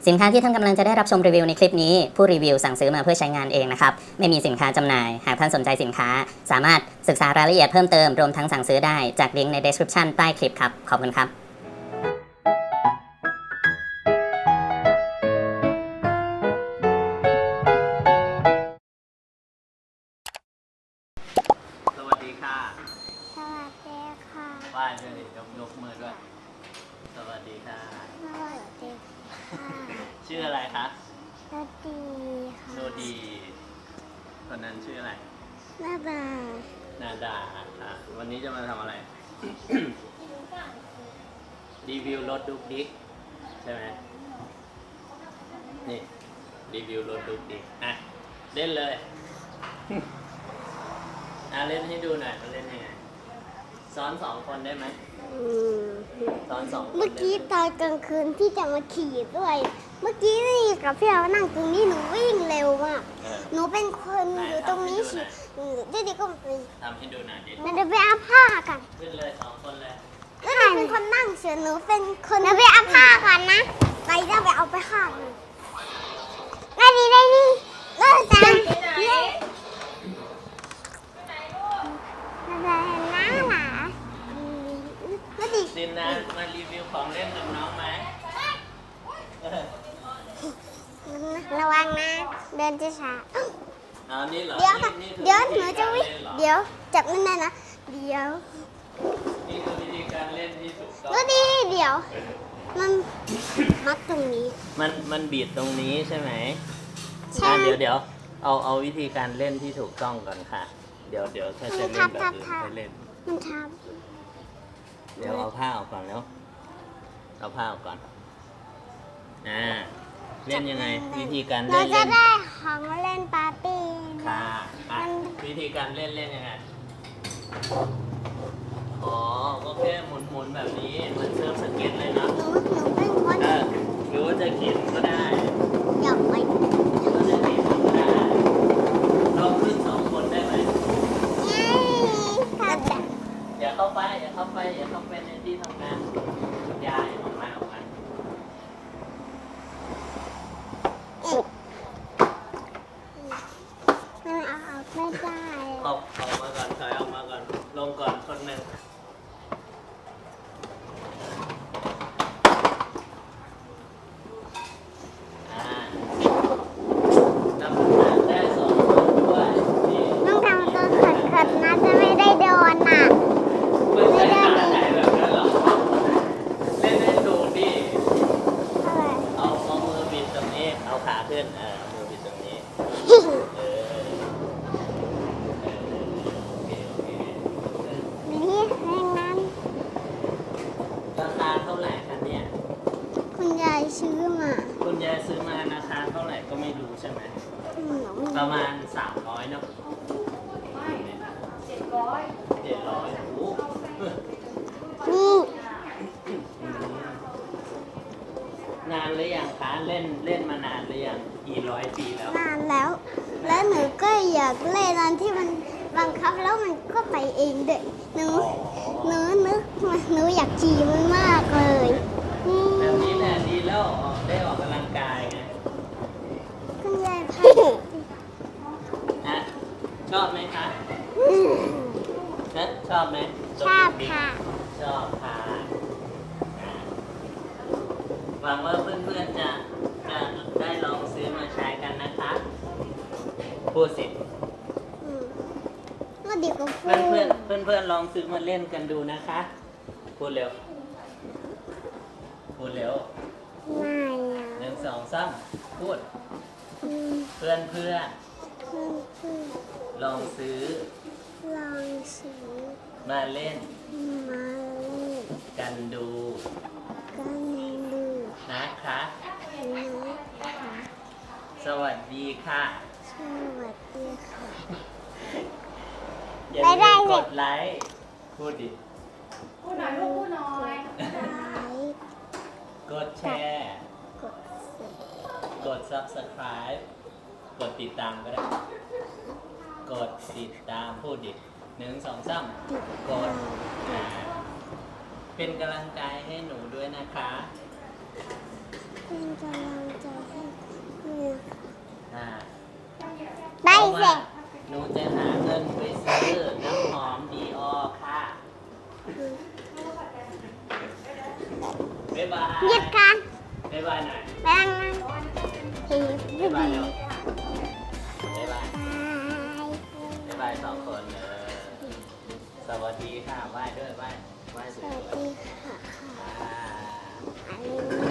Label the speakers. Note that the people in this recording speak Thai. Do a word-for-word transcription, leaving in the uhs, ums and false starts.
Speaker 1: สินค้าที่ท่านกำลังจะได้รับชมรีวิวในคลิปนี้ผู้รีวิวสั่งซื้อมาเพื่อใช้งานเองนะครับไม่มีสินค้าจำหน่ายหากท่านสนใจสินค้าสามารถศึกษารายละเอียดเพิ่มเติมรวมทั้งสั่งซื้อได้จากลิงก์ใน description ใต้คลิปครับขอบคุณครับ
Speaker 2: สวัสดีค่ะ
Speaker 3: สวัสดีค่ะ
Speaker 2: ไหว้ด้วยยกยกมือด้วยสวัสดีค่ะ
Speaker 3: สวัสดีค่ะ
Speaker 2: ชื่ออะไรคะ
Speaker 3: สวัสดีค่ะ
Speaker 2: โชดีคนนั้นชื่ออะไร
Speaker 3: นาบา
Speaker 2: นาดาค่ะวันนี้จะมาทำอะไร รีวิวรถดุกดิกใช่ไหมนี่รีวิวรถดุกดิกอ่ะเล่นเลย อ่ะเล่นให้ดูหน่อยมันเล่นยังไงซ้อนสองคนได้ไหม
Speaker 3: อืม
Speaker 2: ซ้อนสองคน
Speaker 3: เมื่อกี้ตอนกลางคืนที่จะมาขี่ด้วย เมื่อกี้นี่กับพี่เรานั่งตรงนี้หนูวิ่งเร็วมาก
Speaker 2: เออ
Speaker 3: หนูเป็นคนอยู่ตรงนี้สิเดี๋ยวเดี๋ยวก็ไป
Speaker 2: ทำให้ดูหน่อยดิ
Speaker 3: มันจะไปเอาผ้ากัน
Speaker 2: ขึ้นเลยสองคนเลย
Speaker 3: แล้วหนูเป็นคนนั่งเฉยหนูเป็นคนจะไปเอาผ้ากันนะไปจะไปเอาไปข้างได้ดีได้นี่เลิกจังเย้อะไรนะหล่ะแล้วดิ
Speaker 2: ซินนะมารีวิวของเล่นกับน้องไหมเออ
Speaker 3: ระวังนะเดินจะช้า
Speaker 2: เอานี่เหรอ
Speaker 3: เดี๋ยวค่ะ
Speaker 2: นี่คือ
Speaker 3: เดี๋ยวหนูจะวิ่ง
Speaker 2: ธีการล่นเหรอ
Speaker 3: เดี๋ยวจับนั่นนะนะเดี๋ยว
Speaker 2: นี่คือวิธีการเล่นที่ถูกต้อง
Speaker 3: แล้วดิเดี๋ยว มันมัดตรงนี้
Speaker 2: มันมันบีดตรงนี้ใช่ไหม
Speaker 3: ใช่
Speaker 2: อ่ะเดี๋ยวเดี๋ยวเอาเอาวิธีการเล่นที่ถูกต้องก่อนค่ะ เดี๋ยวเดี๋ยวถ้าจะเล่นแบบอื่นไปเล่น
Speaker 3: มันท
Speaker 2: เดี๋ยวเอาผ้าออกก่อนแล้วเอาผ้าออกก่อนอ่า
Speaker 3: ำ
Speaker 2: เล่นยังไง วิธีการ
Speaker 3: เรา
Speaker 2: เล่น
Speaker 3: จะ
Speaker 2: เล่น
Speaker 3: ได้ของเล่นปาร์ตี้
Speaker 2: ค่ะอ่ะ
Speaker 3: มัน
Speaker 2: วิธีการเล่นเล่นยังไงอ๋อก็แค่หมุนหมุนแบบนี้เหมันเซิร์ฟสเก็ตเลยเนาะ
Speaker 3: หนูหนูเป็นคน
Speaker 2: เออหรือว่าจะเขียนก็ได้
Speaker 3: อยากไป
Speaker 2: หรือว่าจะเขียนก็ได้เราขึ้นสองคนได้ไหม
Speaker 3: เย้ค่ะแบบ
Speaker 2: อย่าเข้าไปอย่าเข้าไปอย่าเข้าไปในที่ทำงานยายออกมาออกมา
Speaker 3: มันเอาออกไม่ได้
Speaker 2: ออกออกมาก่อนถอยออกมาก่อนลงก่อนคนหนึ่งอ่านับหน้าได้สองคนด้วยนี่
Speaker 3: ต้องทำตัวขัดๆนะจะไม่ได้โดนน่ะ
Speaker 2: ไม่ใช่ขาไหนแบบนั้นหรอกเล่นให้ดูดิ
Speaker 3: อะไร
Speaker 2: เอาเอามือบิดตรงนี้เอาขาขึ้นเออเอามือบิดตรงนี้เออเออโอเคโอเคเออ
Speaker 3: นี่แรงนั้น
Speaker 2: ราคาเท่าไหร่คะเนี่ย
Speaker 3: คุณยายซื้อมา
Speaker 2: คุณยายซื้อมาราคาเท่าไหร่ก็ไม่รู้ใช่ไหม
Speaker 3: อืม
Speaker 2: ประมาณสามร้อยเนาะเจ็ดร้อยเจ็ดร้อยโอ้โห
Speaker 3: นี่
Speaker 2: นานหรือยังคะเล่นเล่นมานานหรือยังกี่ร้อยปีแล้ว
Speaker 3: นานแล้ว แล้วหนูก็อยากเล่นอันที่มันบังคับแล้วมันก็ไปเองเด็กหนู หนูนึกมาหนูอยากขี่มันมากเลยนี่
Speaker 2: แบบนี้แหละดีแล้วออกได้ออกกำลังกายไง
Speaker 3: คุณยายพา
Speaker 2: นะชอบไหมคะนะชอบไหม
Speaker 3: ชอบค่ะ
Speaker 2: ชอบค่ะอ่าหวังว่าเพื่อนๆจะจะได้ลองซื้อมาใช้กันนะคะพูดสิ
Speaker 3: อืมก็ดีกว่าพู
Speaker 2: เพื่อน
Speaker 3: ด
Speaker 2: เพื่อนเพื่อนเพื่อนๆลองซื้อมาเล่นกันดูนะคะ พูดเร็ว พูดเร็ว
Speaker 3: ไม่อะ
Speaker 2: หนึ่งสองสามพูด
Speaker 3: อืม
Speaker 2: เพื่อนเพื่อน
Speaker 3: เพื่อนเพื่อน
Speaker 2: ๆลองซื้อ
Speaker 3: ลองซื้อ
Speaker 2: มาเล่น
Speaker 3: มาเล่น
Speaker 2: กันดู
Speaker 3: กันดู
Speaker 2: นะคะ
Speaker 3: นะคะ
Speaker 2: สวัสดีค่ะ
Speaker 3: สวัสดีค่ะ
Speaker 2: อย่า
Speaker 3: ไม่ได้
Speaker 2: ลืม
Speaker 3: เลย
Speaker 2: กดไลค์พูดดิ
Speaker 4: พูดหน่อยลูกพูดหน่อย
Speaker 3: ไลค์
Speaker 2: กดแชร์
Speaker 3: กดเสีย
Speaker 2: กด subscribe กดติดตามก็ได้ กดติดตามพูดดิหนึ่งสองสาม
Speaker 3: ติด
Speaker 2: กดอ่าเป็นกำลังใจให้หนูด้วยนะคะ
Speaker 3: เป็นกำลังใจ
Speaker 2: เพราะ
Speaker 3: เสร็
Speaker 2: ว่า
Speaker 3: จ
Speaker 2: หนูจะหาเงินไปซื้อน้ำหอมดีออค่ะบ๊ายบาย
Speaker 3: หยุดกัน
Speaker 2: บ๊ายบายหน่อย
Speaker 3: แบงที
Speaker 2: บ๊ายบาย
Speaker 3: ดี
Speaker 2: เร็วบ๊ายบายบ๊ายบายสองคนเออสวัสดีค่ะไหว้ด้วยไหว้ไหว้
Speaker 3: ส
Speaker 2: สวย
Speaker 3: วัส
Speaker 2: ๆ
Speaker 3: ดีค่ะ
Speaker 2: อ่า
Speaker 3: อันนี้